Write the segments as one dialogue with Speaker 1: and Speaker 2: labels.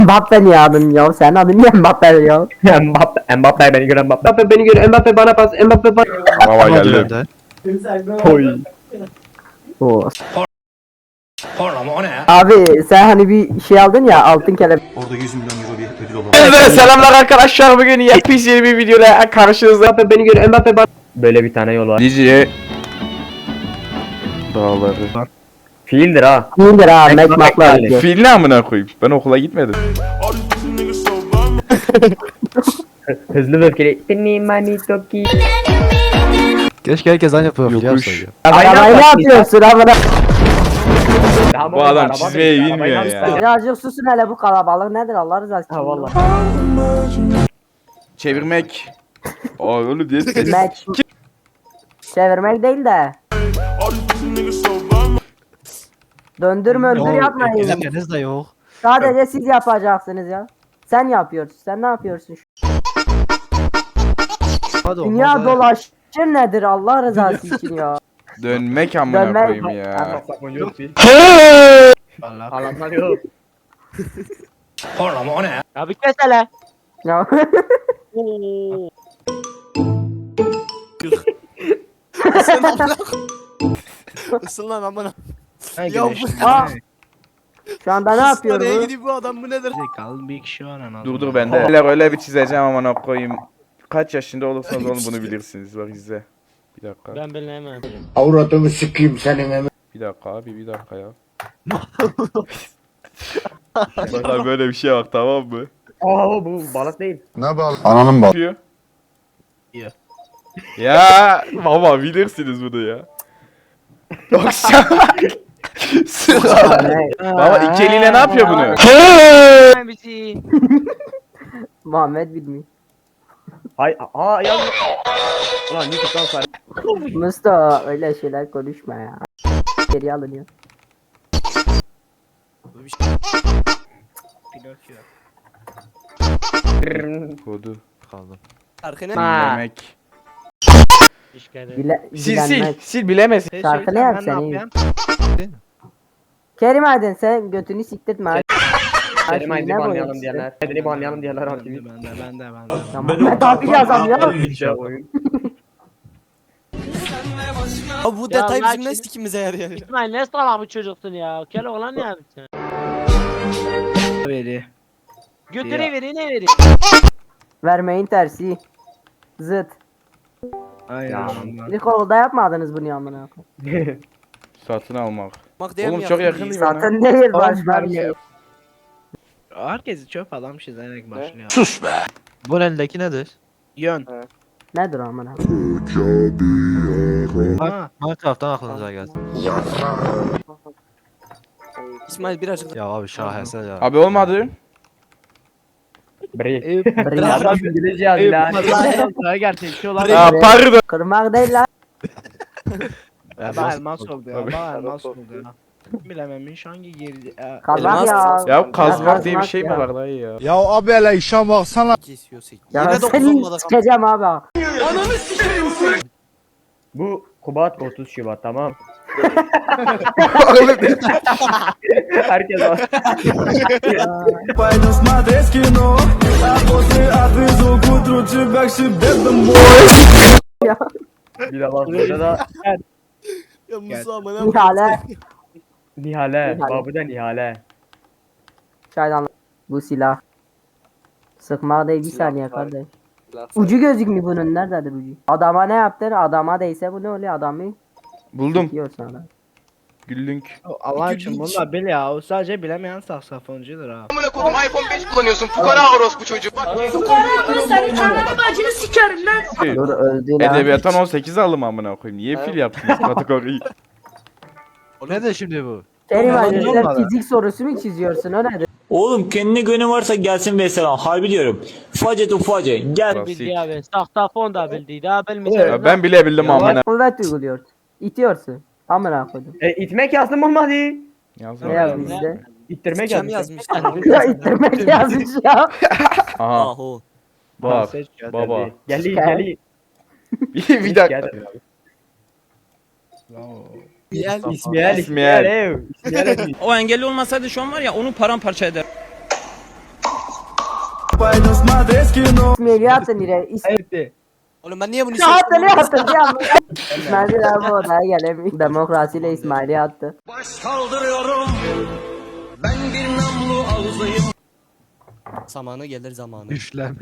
Speaker 1: Mbappe niye adın ya? Senin adın niye Mbappe ya?
Speaker 2: Mbappe beni gören Mbappe. Mbappe beni gören Mbappe bana pas. Mbappe bana.
Speaker 3: Araba geldi.
Speaker 2: Oy.
Speaker 1: Oo. Abi sen hani bir şey aldın ya altın kelebek.
Speaker 4: Orada 100 milyon euro bir ödül olan.
Speaker 3: Evet, selamlar arkadaşlar, bugün yepyeni bir videoda karşınızda.
Speaker 2: Mbappe beni gören Mbappe bana. Böyle bir tane yol var.
Speaker 3: Diziye dağları.
Speaker 2: Fiildir ha.
Speaker 1: İyidir ha
Speaker 2: Tek
Speaker 1: mekmakla
Speaker 2: yani.
Speaker 1: ödüyor.
Speaker 3: Fil ne amına koyayım? Ben okula gitmedim.
Speaker 2: Hızlı ve öfkeli. Beni manitoki.
Speaker 5: Keşke herkes aynı profili
Speaker 3: Yokuş.
Speaker 5: yapsaydı.
Speaker 1: Arabayı ne yapıyorsun amına?
Speaker 3: Bu adam çizmeyi bilmiyor ya.
Speaker 1: Birazcık susun hele bu kalabalık nedir Allah rızası için.
Speaker 2: Ha valla.
Speaker 3: Çevirmek. Aa öyle diye ses.
Speaker 1: Mek. Çevirmek değil de. Döndürme öndür yapmayın.
Speaker 5: Elimleriniz de yok.
Speaker 1: Sadece siz yapacaksınız ya. Sen yapıyorsun. Sen ne yapıyorsun?
Speaker 5: Hadi
Speaker 1: Dünya
Speaker 5: olmaz.
Speaker 1: dolaşır nedir Allah rızası için ya.
Speaker 3: Dönmek amına
Speaker 1: Dönmek.
Speaker 3: koyayım ya.
Speaker 2: Yok bir.
Speaker 5: Allah.
Speaker 2: Alanlar yok.
Speaker 6: Abi kes hele.
Speaker 1: Ya.
Speaker 5: Isın lan amına.
Speaker 6: Ya
Speaker 1: Aa. Şu anda ne yapıyor
Speaker 5: Nereye
Speaker 1: bu?
Speaker 5: gidiyor bu adam bu nedir?
Speaker 6: Kalın bir kişi var en
Speaker 3: Dur bende. Öyle bir çizeceğim amına koyayım. Kaç yaşında olursanız olun bunu bilirsiniz. Bak izle. Bir dakika.
Speaker 6: Ben bilemem.
Speaker 7: Avradını sikeyim senin emin.
Speaker 3: Bir dakika abi, bir dakika ya. Bak abi, böyle bir şey bak, tamam mı?
Speaker 2: Aa bu balık değil.
Speaker 7: Ne bağlı? Ananın bağlı.
Speaker 3: Yapıyor. Ya baba bilirsiniz bunu ya. Yoksa baba iki eliyle ne yapıyor bunu?
Speaker 6: Bizi.
Speaker 1: Muhammed bilmiyor.
Speaker 2: Hay ya. Ulan YouTube'dan sonra.
Speaker 1: Mustafa öyle şeyler konuşma ya. Geri alınıyor.
Speaker 6: Pinokyo.
Speaker 3: Kodu.
Speaker 5: Kaldım.
Speaker 3: Dinlemek.
Speaker 6: İşkede.
Speaker 3: Sil bilemez.
Speaker 1: Şarkı ne yap sen? Kerim Aydın sen götünü siktirtme.
Speaker 2: Kerim Aydın'ı
Speaker 1: Ne
Speaker 2: banlayalım
Speaker 1: boyuyorsun?
Speaker 2: diyenler. Aydın'ı banlayalım diyenler var.
Speaker 6: Ben de.
Speaker 1: Ya Muhammed abi yazam ya.
Speaker 2: İşte oyun.
Speaker 5: Abi bu
Speaker 6: Ya
Speaker 5: detay
Speaker 6: Allah
Speaker 5: bizim ne
Speaker 6: için-
Speaker 5: sikimize yarıyor?
Speaker 6: İsmail ne salak bu çocuksun ya. Kel oğlan ne yaptın?
Speaker 2: Veri.
Speaker 6: Götürü veri ne veri?
Speaker 1: Vermeyin tersi. Zıt.
Speaker 2: Aynen.
Speaker 1: İlk okulda yapmadınız bunu amına.
Speaker 3: Satın almak.
Speaker 5: Bak diye
Speaker 3: Oğlum
Speaker 5: mi
Speaker 3: çok
Speaker 5: yaptın?
Speaker 3: yakın değil bana.
Speaker 1: Zaten değil başka bir şey.
Speaker 6: Herkesi çöp adam çizerek başlıyor.
Speaker 5: Bunun elindeki nedir?
Speaker 6: Yön.
Speaker 1: Nedir amına?
Speaker 5: Minecraft'tan aklınıza gelsin.
Speaker 7: İsmail birazcık
Speaker 5: Ya abi şaheser ya.
Speaker 3: Abi olmadı.
Speaker 2: Bre.
Speaker 1: Bri-
Speaker 2: Adam İngilizce yazıyor lan.
Speaker 6: Gerçekçi olan.
Speaker 3: Aa pardon.
Speaker 1: Kırmak değil lan.
Speaker 6: Bak elmas oldu ya.
Speaker 3: Tabii.
Speaker 6: Bak elmas oldu ya. Bilememiş hangi girdi.
Speaker 1: Kazmak ya.
Speaker 3: Ya kazmak diye bir şey mi
Speaker 1: ya.
Speaker 3: var dayı ya?
Speaker 7: Ya abi hele işe baksana.
Speaker 5: kesiyor sik.
Speaker 1: Ya
Speaker 5: Yine dokuz
Speaker 1: seni
Speaker 5: olmadı.
Speaker 1: sikeceğim abi.
Speaker 2: Bu Kubat 30 Şubat tamam. Herkes var. Bir de bak burada da
Speaker 5: Ya Musa amına.
Speaker 1: Nihale.
Speaker 2: Nihale.
Speaker 1: Nihale.
Speaker 2: Babu da Nihale.
Speaker 1: Çaydan bu silah. Sıkmak değil bir saniye kardeş. Ucu gözükmüyor bunun nerededir ucu? Adama ne yaptın? Adama değse bu ne oluyor adamı?
Speaker 3: Buldum.
Speaker 1: Yiyorsun adam.
Speaker 3: Güllünk.
Speaker 6: Allah için bunu da bil ya. O sadece bilemeyen saksafoncudur ha.
Speaker 1: Dur öldü lan.
Speaker 3: Edebiyattan 18 aldım amına koyayım. Niye fil yaptınız kategoriyi?
Speaker 5: Nedir şimdi bu?
Speaker 1: Kerim abi sen
Speaker 5: Olmadı.
Speaker 1: fizik sorusu mu çiziyorsun o nedir?
Speaker 8: Oğlum kendine gönlü varsa gelsin mesela. Harbi diyorum. Ufacı ufacı. Gel.
Speaker 3: Klasik.
Speaker 6: Bildi abi. Saksafon da bildi. Daha bilmeyeceğim.
Speaker 3: Ya ben bile bildim amına.
Speaker 1: Kuvvet uyguluyorsun. İtiyorsun. Amına koydum.
Speaker 2: İtmek yazdım olmadı.
Speaker 1: Ne
Speaker 3: Yazma.
Speaker 1: yazmış işte?
Speaker 2: İttirmek
Speaker 5: Kim
Speaker 2: yazdım.
Speaker 5: yazmış?
Speaker 1: Ya ittirmek yazmış ya.
Speaker 3: Aha
Speaker 5: Aho.
Speaker 3: bak baba.
Speaker 2: Geldi geldi.
Speaker 3: Bir dakika.
Speaker 2: İsmail
Speaker 3: İsmail.
Speaker 2: ev. İsmail ev.
Speaker 9: O engelli olmasaydı şu an var ya onu paramparça eder.
Speaker 1: İsmail'i attın yine.
Speaker 7: Oğlum ben niye bunu
Speaker 1: Ya attı ne attın diye anladım. İsmail'i daha bu odaya gelemiyor. Demokrasiyle İsmail'i attı.
Speaker 7: Zamanı gelir zamanı.
Speaker 5: Üflem.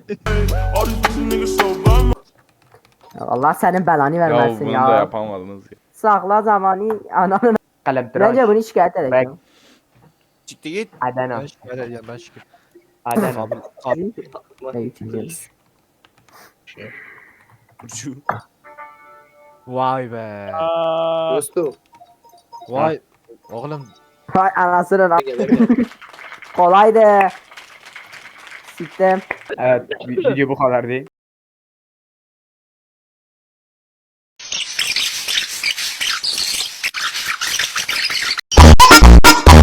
Speaker 1: Ya Allah senin belanı
Speaker 3: Ya
Speaker 1: vermesin
Speaker 3: bunu
Speaker 1: ya.
Speaker 3: da yapamadınız ya.
Speaker 1: Sakla zamanı ananın.
Speaker 2: Kalem tıraş.
Speaker 1: Bence bunu şikayet edeceğim.
Speaker 7: Çıktı git.
Speaker 2: Adana.
Speaker 5: Ben şikayet edeceğim ben şikayet.
Speaker 2: Adana.
Speaker 1: Ne üçüncü?
Speaker 7: Burcu.
Speaker 5: Vay be.
Speaker 6: Dostum.
Speaker 5: Vay. Oğlum
Speaker 1: Hay anasının kolaydı. Siktim.
Speaker 2: Evet video bu kadar değil.